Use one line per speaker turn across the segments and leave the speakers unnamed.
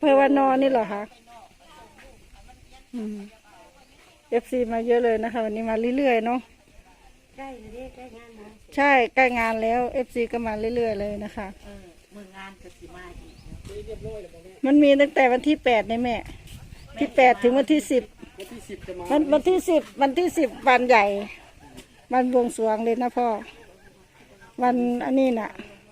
ภอวานอนนี่เหรอคะFC มาเยอะเลยนะคะวันนี้มาเรื่อยๆเนาะ
ใกล้เลยใกล้งานแล้ว
ใช่ใกล้งานแล้ว FC ก็มาเรื่อยๆเลยนะคะ
มืองานก็สิมาอีก
มันมีตั้งแต่วันที่8ในแม่ที่8ถึงวันที่10วันที่10วันใหญ่วันบวงสรวงเลยนะพ่อวันอันนี้น่ะ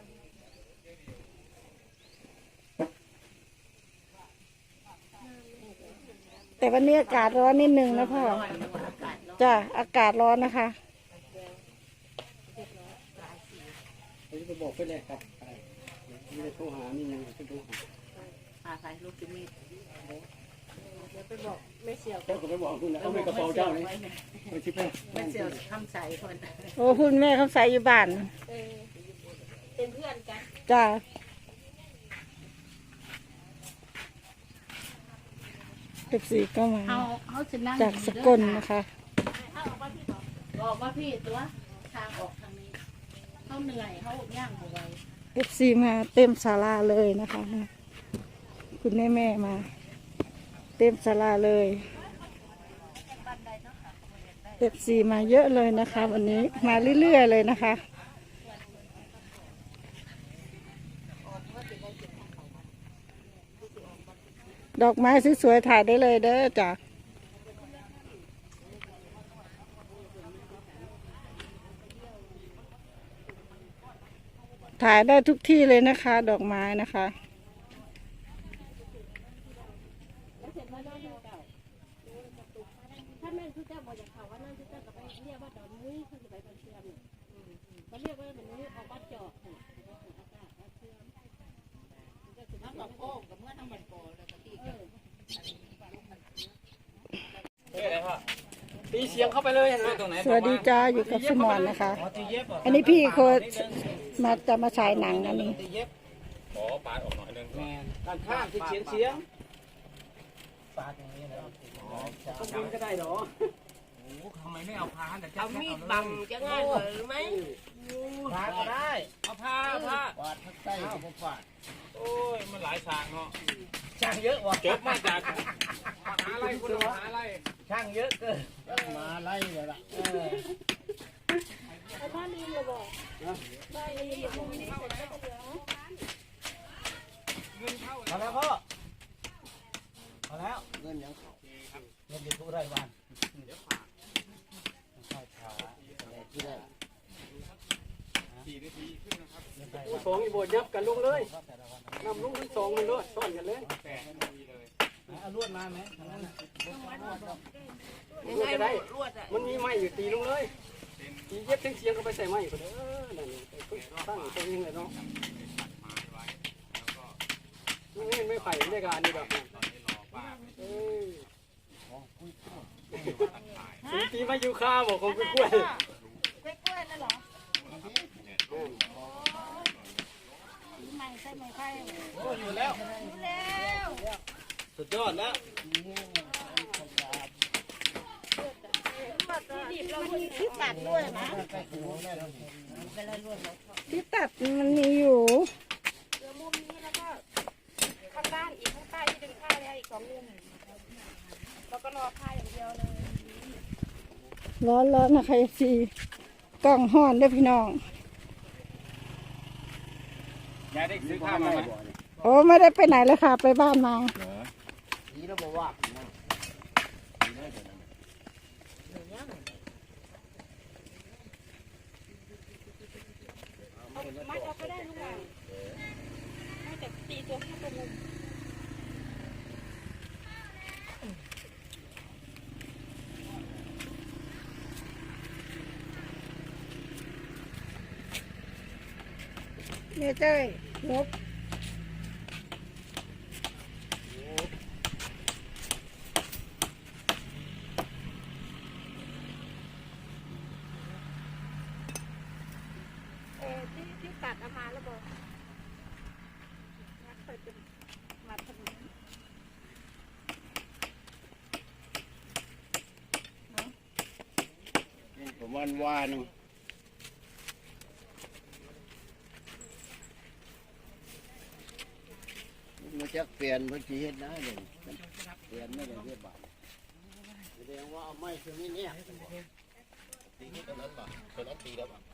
แต่วันนี้อากาศร้อนนิดนึงนะพ่อจ้ะอากาศร้อนนะคะ
ไปบอกไปเลยครับไม่ได้โทรหานี่ยังไปโทรหา
ใส่ลูกจิมี
ไปบอกไม่เสียวก็ไปบอกคุณนะเอาไปกระเป๋าเจ้านี่ไปชิบไป
ไม่เสียวทำใส่คน
โอ้คุณแม่เขาใส่อยู่บ้าน
เป็นเพื่อนกัน
จ้า14ก็มาจากสกลนะคะ
ออกมาพี่ตัวทางออกทางนี้เขาเหนื่อยเขาย่างเอาไว้
FC มาเต็มศาลาเลยนะคะคุณแม่มาเต็มศาลาเลย FC มาเยอะเลยนะคะวันนี้มาเรื่อยๆเลยนะคะดอกไม้สวยๆถ่ายได้เลยเด้อจ้ะถ่ายได้ทุกที่เลยนะคะดอกไม้นะคะ
ถ้าแม่ทุกเจ้าบอกอย่างเขาว่านั่นทุกเจ้าก็ไปเรียกว่าดอนมุ้ยเขาจะไปดอนเชื่อมเขาเรียกว่าดอนมุ้ยเอาวัดจอกทั้งดอกโอ้กับเมื่อทั้งมันโกแล้วก็ตี
ตีเสียงเข้าไปเลยนะ
สวัสดีจ้าอยู่กับสมอนนะคะอันนี้พี่โคจะมาฉายหนังอันนี้
ขอปาดออกหน่อยนึง
การข้ามที่เสียงปาดอย่างนี้แล้วต้องบินก็ได้หรอ
โอ้ทำไมไม่เอาพาแต่
เอามีดบังจะง่ายกว่าหรือไม่
พาก็ได้
เอาผ้า
ปาดทักใต้ผมปาด
โอ้ยมันหลายฉากเนาะ
ช่างเยอะว่ะ
จบมาจากหาอะไรคุณหาอะไร
ช่างเยอะเกินมาไล่เลยล่ะ
บ้านนี้เลยบอกบ้านนี้พ
อแล้วพ่อพอแล้วเงินยังเขาเงินจะทุกได้วันที่ได้
4 นาทีขึ้นนะครับ
สองอีโบยับกันลงเลยนำลงทั้งสองมันด้วยซ้อนกันเลย
8 นาทีเลย
เอาลวดมาไหมทางนั้นลวดจะได้มันมีไม้อยู่ตีลงเลยตีเย็บเสียงก็ไปใส่ไม้ก็ได้นั่นตั้งตรงนี้เลยเนาะไม่ไผ่ไม่การนี่แบบตีมาอยู่ข้าวบอกของกล้วย
นั่นเหรอไม่ใช่ไม่ไผ่
โอ้อยู่แล้วสุดยอดแล้ว
ที่ตัดด้วยนะ
ที่ตัดมันมีอยู่
เดี๋ยวมุมนี้แล้วก็ข้างด้านอีกข้างใต้ที่ดึงผ้าเนี่ยอีก2 มุมแล้วก็รอผ้าอย่างเดียวเลย
ร้อนนะคะสิกล้องห้อนด้วยพี่น้อง
ยายได้ซื้อข้าวมาไหม
โอ้ไม่ได้ไปไหนเลยค่ะไปบ้านมา
นี่เราบอกว่า
มัดเอาก็ได้ลูกหลานน่าจะตีตัวแค่ตัวมุม
เนี่ยเจ้ยนก
ที่ตัดเอามาแล้วบอกเคยเป็นมาถนน
ผมวัน
จะเปลี่ยนเมื่อกี้เห็นนะเนี่ยเปลี่ยนไม่ได้เรียบร้อยแสดงว่าเอาไม้ตัวนี้เนี่ยตีที่ตอนนั้นป่ะตอนนั้นตีแล้วป่ะ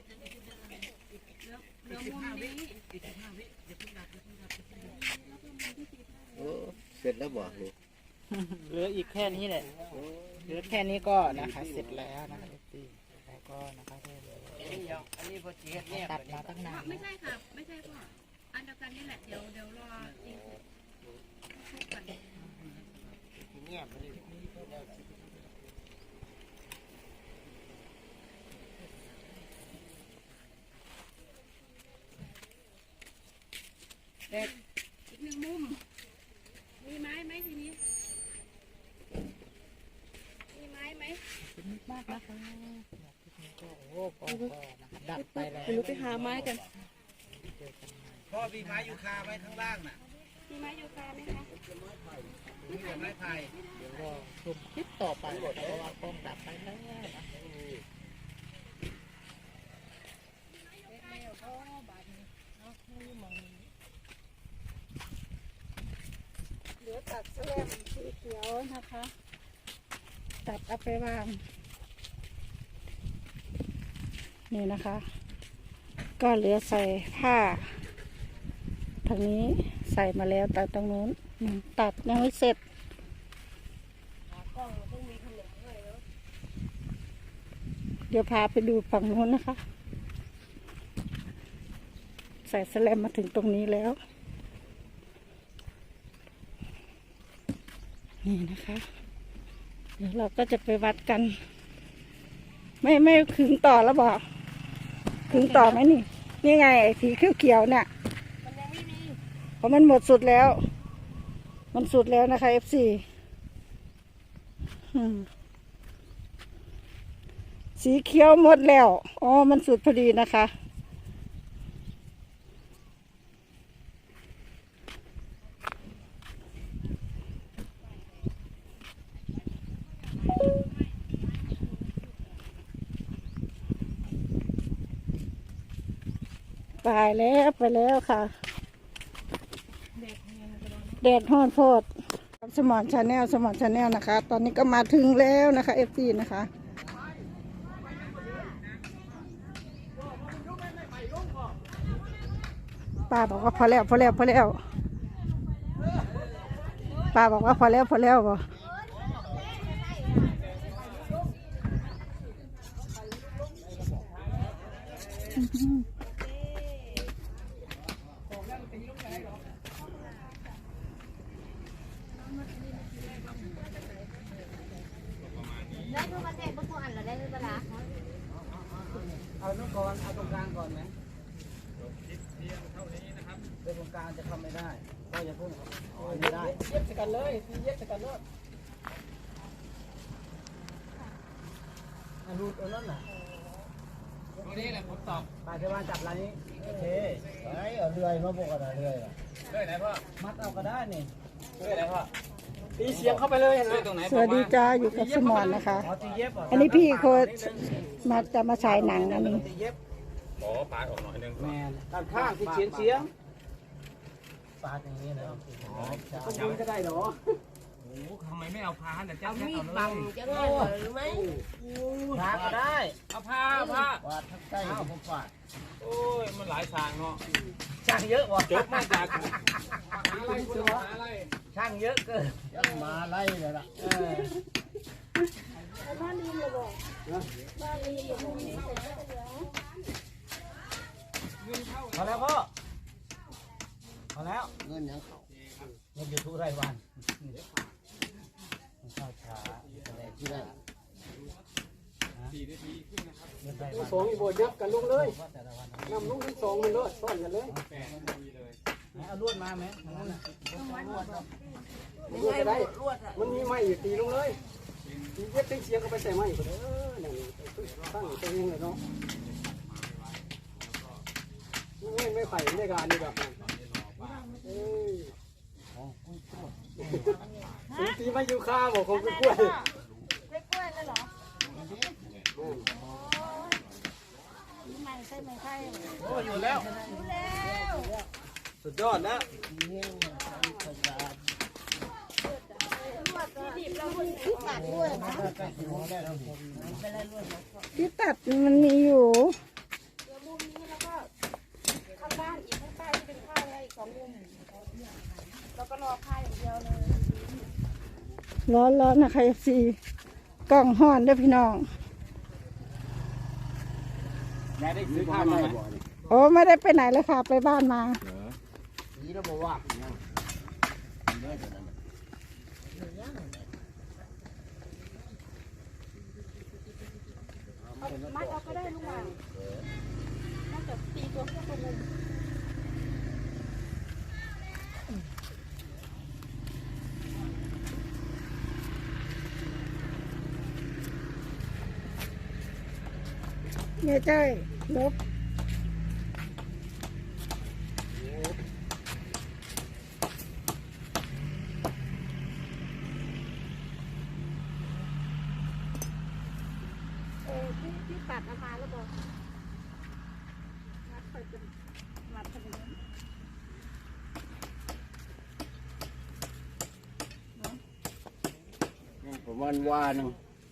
เสร็จแล้วบอกเลย
เหลืออีกแค่นี้แหละเหลือแค่นี้ก็นะคะเสร็จแล้วนะคะแล้วก็นะคะอันนี้พอจีเนี่ยตัดมาตั้งนาน
ไม่ใช่ค่ะ ไม่ใช่พ่ออันเดียวกันนี่แหละ เดี๋ยวรอจริงทุกกัน
เนี่ยมันนี่
อีกหนึ่งมุม มีไม้ไหมทีนี้ มีไม้ไหม
มากนะคะโอ้โหนะคะดับไปแล้ว
เดี๋ยวหนูไปหาไม้กัน
พ่อมีไม้ยูคาไว้ข้างล่างน่ะ
มีไม้ยูคาไหมคะ
มีแต่ไม้ไผ่
เดี๋ยวรอชมคลิปต่อไปเพราะว่ากล้องดับไปแล้วนะ
เหลือตัดแสลมสีเขียวนะคะ ตัดเอาไปวางนี่นะคะ ก็เหลือใส่ผ้าทางนี้ใส่มาแล้วแต่ตรงนู้นตัดยังไม่เสร็จเดี๋ยวพาไปดูฝั่งนู้นนะคะ ใส่แสลมมาถึงตรงนี้แล้วนี่นะคะ เดี๋ยวเราก็จะไปวัดกัน ไม่ขึงต่อแล้วบอกขึงต่อไหมนี่นี่ไงไอ้สีเขียวๆเนี่ยมันยังไม่มีเพราะมันหมดสุดแล้ว มันสุดแล้วนะคะ FC สีเขียวหมดแล้วอ๋อมันสุดพอดีนะคะไปแล้วค่ะแดดฮ้อนโพดสมอนชาแนลนะคะ ตอนนี้ก็มาถึงแล้วนะคะ FC นะคะป้าบอกว่าพอแล้วป้าบอกว่าพอแล้วบ่
ได้ทุกประเทศทุกอันเหรอได้ทุกเวลา
เอาตรงก่อนเอาตรงกลางก่อนไหมเดี๋ยวตรงกลางจะทำไม่ได้ก็อย่าพุ่งไม่ได้
เย็บใส่กันเลยเย็บใส่กันเลย
รูดเอานั่นน่ะ
ตรงนี้แหละผมตอบ
ปลาจะมาจับร้านนี้โอเค
ไอ้เอาเรื่อยมาบอกกันเรื่อย
เลื่อยไหนพ่อ
มัดเอาก็ได้นี่
เลื่อยไหนพ่อ
ตีเสียงเข้าไปเลยนะ
เลื่อยตรงไหน
สวัสดีจ้าอยู่กับสมอนนะคะ
อ๋อตีเย็บเหรอ
อันนี้พี่โคจะมาฉายหนังอันนี้
ตีเย็บ
ขอปาดออกหน่อยนึง
แมนด้านข้างที่เฉียงปาดอย่างนี้นะ
ก็ยืนก็ได้เหรอ
โอ้ทำไมไม่เอาพาแต่เจ้า
มีดบังจะง่ายหรือไม่
ปาดก็ได้
เอาผ้าว
าดทั้งใต้ผมฟาด
โอ้ยมันหลายทางเนาะ
ช่างเยอะว่ะ
จบมาจากหาอะไรคุณหาอะไร
ช่างเยอะเกิน
ยังมาไล่เลยล่ะ
พอแล้วพ่อพอแล้ว
เงินยังเขา
เงินยูทูบรายวันเข้าช้า
แต่ที่ได้
4 นาทีขึ้นนะครับ
เงินรายวัน
สองอีโบยับกันลงเลย
แต่ละวัน
นำลงทั้งสองมันเลยซ่อนกันเลย
8 นาทีเลย
เอาลวดมาไหมนั่นน่ะ
มันก็ได้มันมีไม้อยู่ตีลงเลยตีเย็บเสียงเข้าไปใส่ไม้ก็ได้นั่นตั้งตัวเองเลยเนาะไม่ไผ่ไม่การนี่แบบนั้นตีไม่ยูคาบอกของกล้วย
กล้วยเลยเหรอไม่ใช่
โอ้อยู่แล้ว
รู้แล้ว
สุดยอดนะ
เงี้ย
ตัดด้วยนะที่ตัดมันมีอยู่
เดี๋ยวมุมนี้แล้วก็ข้างบ้านอีกข้างใต้ที่เป็นผ้าแล้วอีก2 มุมแล้วก็รอผ้าอย่างเดียวเลย
ร้อนนะคะFC กล้องห้อนเด้วยพี่น้อง
ยายได้ซื้อข้าวมาไหม
โอ้ไม่ได้ไปไหนเลยค่ะ ไปบ้านมา
นี่เราบอกว่าเนี่ย
มัดเอาก็ได้ลุงหว่างน่าจะตีตัวแค่ตัวมุม
เนี่ยจ้อยลบ
ที่ตัดเอามาแล้วบอกมัดไปเป็นมัดไปเป็น
ประมาณว่านึง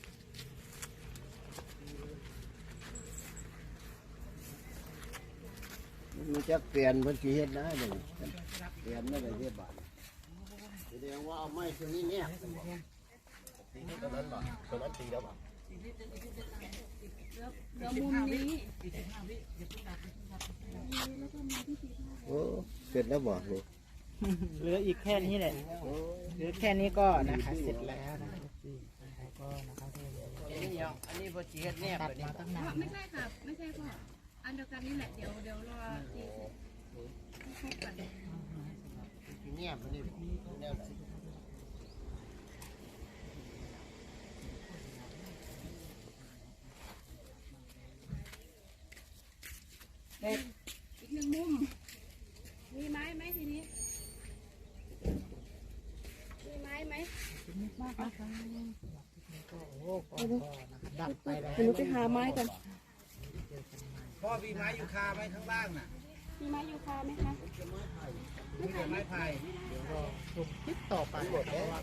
มันจะเปลี่ยนพื้นที่เฮ็ดนะเดี๋ยวเปลี่ยนไม่ได้เรียบบาทแสดงว่าเอาไม้ตัวนี้เนี่ยตีที่ตรงนั้นบ่ตรงนั้นตีแล้วบ่
เดี๋ยวมุมนี้
โอ้เสร็จแล้วบ่ลูก
เหลืออีกแค่นี้แหละเหลือแค่นี้ก็นะคะเสร็จแล้วนะคะก็นะคะอันนี้พอจีเฮ็ดเนี่ยตัดมาตั้งนาน
ไม่ใช่ค่ะไม่ใช่พ่ออันเดียวกันนี่แหละเดี๋ยวรอตีให้ครบกัน
เนี่ยมันนี่แนวไหน
อีก1 มุมมีไม้ไหมทีนี้มีไม้ไหม
ดับไปแล้ว
หนูไปหาไม้กัน
พ่อมีไม้ยูคาไหมข้างล่างน่ะ
มีไม้ยูคาไหมคะ
มีแต่ไม้ไผ่
คลิปต่อไปเพราะว่า